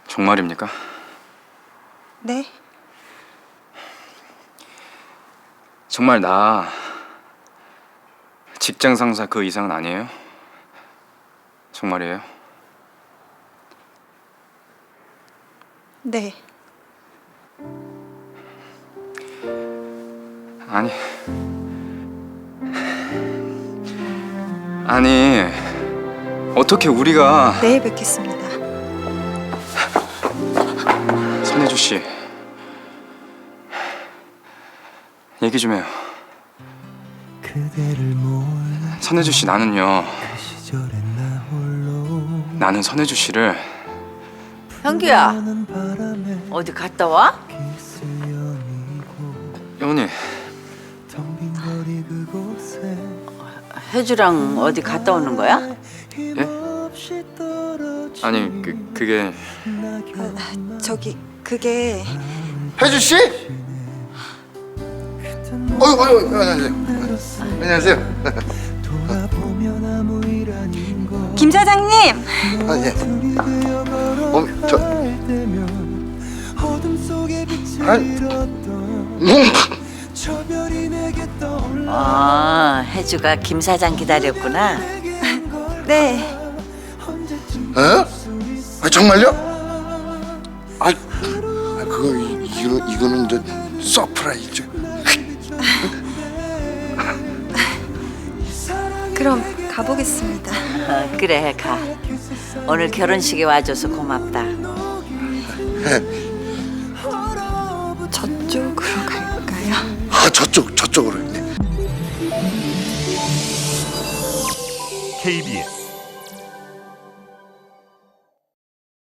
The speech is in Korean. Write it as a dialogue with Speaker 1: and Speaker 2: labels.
Speaker 1: 정말입니까?
Speaker 2: 네.
Speaker 1: 정말 나 직장 상사 그 이상은 아니에요? 정말이에요?
Speaker 2: 네.
Speaker 1: 아니 어떻게 우리가
Speaker 2: 내일 뵙겠습니다.
Speaker 1: 선혜주 씨 얘기 좀 해요. 선혜주 씨 나는요. 나는 선혜주 씨를
Speaker 3: 현규야, 어디 갔다 와?
Speaker 1: 여운이
Speaker 3: 혜주랑 어디 갔다 오는 거야?
Speaker 1: 예? 아니 그게
Speaker 2: 그게
Speaker 4: 혜주 씨? 안녕하세요.
Speaker 2: 김 사장님.
Speaker 4: 아 예.
Speaker 3: 혜주가 김 사장 기다렸구나.
Speaker 2: 네.
Speaker 4: 어? 아 정말요? 그거 이거는 이제 서프라이즈.
Speaker 2: 그럼 가보겠습니다.
Speaker 3: 그래, 가. 오늘 결혼식에 와줘서 고맙다.
Speaker 2: 저쪽으로 갈까요?
Speaker 4: 아 저쪽으로.
Speaker 5: KBS